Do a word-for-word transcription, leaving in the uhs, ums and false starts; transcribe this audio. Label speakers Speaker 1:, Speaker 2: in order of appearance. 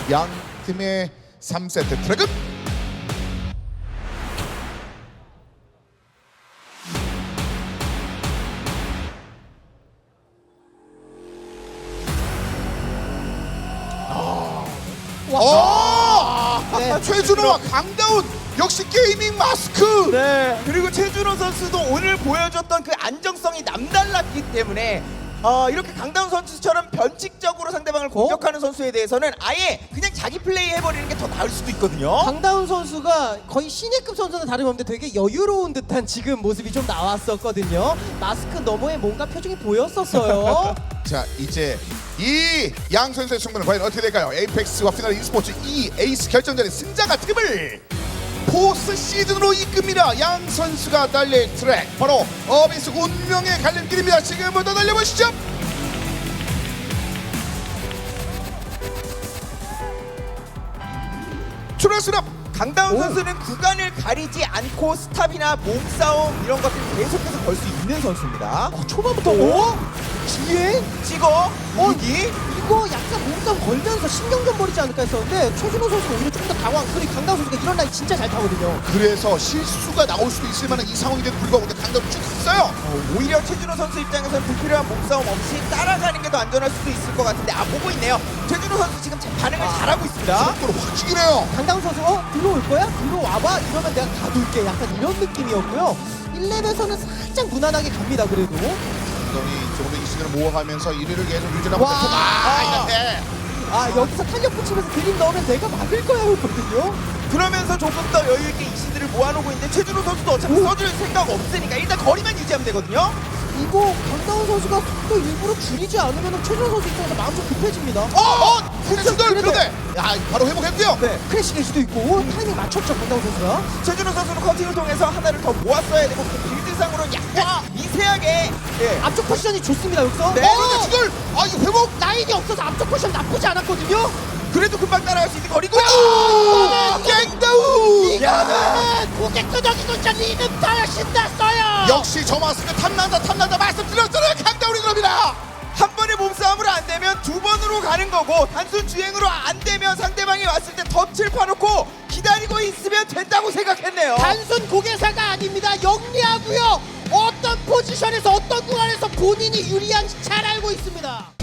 Speaker 1: 양 팀의 삼 세트 트랙은 와.
Speaker 2: 네.
Speaker 1: 최준호와 강다운 역시 게이밍 마스크.
Speaker 3: 네. 그리고 최준호 선수도 오늘 보여줬던 그 안정성이 남달랐기 때문에 어, 이렇게 강다운 선수처럼 변칙적으로 상대방을 공격하는 선수에 대해서는 아예 그냥 자기 플레이 해버리는 게 더 나을 수도 있거든요.
Speaker 2: 강다운 선수가 거의 신예급 선수는 다름없는데 되게 여유로운 듯한 지금 모습이 좀 나왔었거든요. 마스크 너머에 뭔가 표정이 보였었어요.
Speaker 1: 자, 이제 이 양 선수의 승부는 과연 어떻게 될까요? 에이펙스와 피나르 e스포츠 이 에이스 결정전의 승자가 팀을 포스 시즌으로 이끕니다. 양 선수가 달릴 트랙 바로 어비스 운명의 갈림길입니다. 지금부터 달려보시죠. 출발수납.
Speaker 3: 강다운
Speaker 2: 오.
Speaker 3: 선수는 구간을 가리지 않고 스탑이나 몸싸움 이런 것들을 계속해서 걸 수 있는 선수입니다.
Speaker 2: 어, 초반부터 오? 뒤에?
Speaker 3: 찍어 무기
Speaker 2: 이거 약간 몸싸움 걸면서 신경 좀 버리지 않을까 했었는데 최준호 선수가 오히려 조금 더 당황. 그리고 강다운 선수가 이런 라인 진짜 잘 타거든요.
Speaker 1: 그래서 실수가 나올 수도 있을 만한 이 상황인데도 불구하고 강다운 쭉 갔어요.
Speaker 3: 어, 오히려 최준호 선수 입장에서는 불필요한 몸싸움 없이 따라가는 게 더 안전할 수도 있을 것 같은데 아 보고 있네요. 최준호 선수 지금 제 반응을
Speaker 2: 아.
Speaker 3: 잘하고 있습니다.
Speaker 1: 속도로 확 죽이네요.
Speaker 2: 강다운 선수 어? 들어올 거야? 들어와봐? 이러면 내가 가둘게. 약간 이런 느낌이었고요. 일 렙에서는 살짝 무난하게 갑니다. 그래도.
Speaker 1: 강다운이 조금 더 이 시즌을 모아가면서 일 위를 계속 유지하고
Speaker 2: 와.
Speaker 1: 있고 아, 이런데
Speaker 2: 아 여기서 탄력 붙이면서 그림 넣으면 내가 막을 거야 했거든요.
Speaker 3: 그러면서 조금 더 여유 있게 이시드를 모아놓고 있는데 최준호 선수도 어차피
Speaker 2: 오.
Speaker 3: 써줄 생각 없으니까 일단 거리만 유지하면 되거든요.
Speaker 2: 이거 강다운 선수가 속도 일부러 줄이지 않으면 최준호 선수 입장에서 마음 좀 급해집니다.
Speaker 1: 어! 어! 후진들
Speaker 2: 그래도-
Speaker 1: 그런데 야 바로 회복했고요.
Speaker 3: 네.
Speaker 2: 크래시 될 수도 있고 타이밍 맞췄죠 강다운 선수가.
Speaker 3: 최준호 선수는 커팅을 통해서 하나를 더 모았어야 되고 그 빌드상으로 약간 미세하게 예.
Speaker 2: 앞쪽 포지션이 좋습니다 여기서.
Speaker 3: 네.
Speaker 1: 어! 근데 지금 아 이거 회복!
Speaker 2: 라인이 없어서 앞쪽 포지션 나쁘지 않았거든요.
Speaker 3: 그래도 금방 따라갈 수 있는 거리고요.
Speaker 1: 아! 갱다운!
Speaker 2: 이거는 고객도적이고 진짜 리듬 타야 신났어요.
Speaker 1: 역시 저 마스크 탐난다 탐난다 말씀드렸잖아요. 강다운이 그럽니다.
Speaker 3: 한 번의 몸싸움으로 안 되면 두 번으로 가는 거고 단순 주행으로 안 되면 상대방이 왔을 때 덫을 파놓고 기다리고 있으면 된다고 생각했네요.
Speaker 2: 단순 고개사가 아닙니다. 영리하고요. 어떤 포지션에서 어떤 구간에서 본인이 유리한지 잘 알고 있습니다.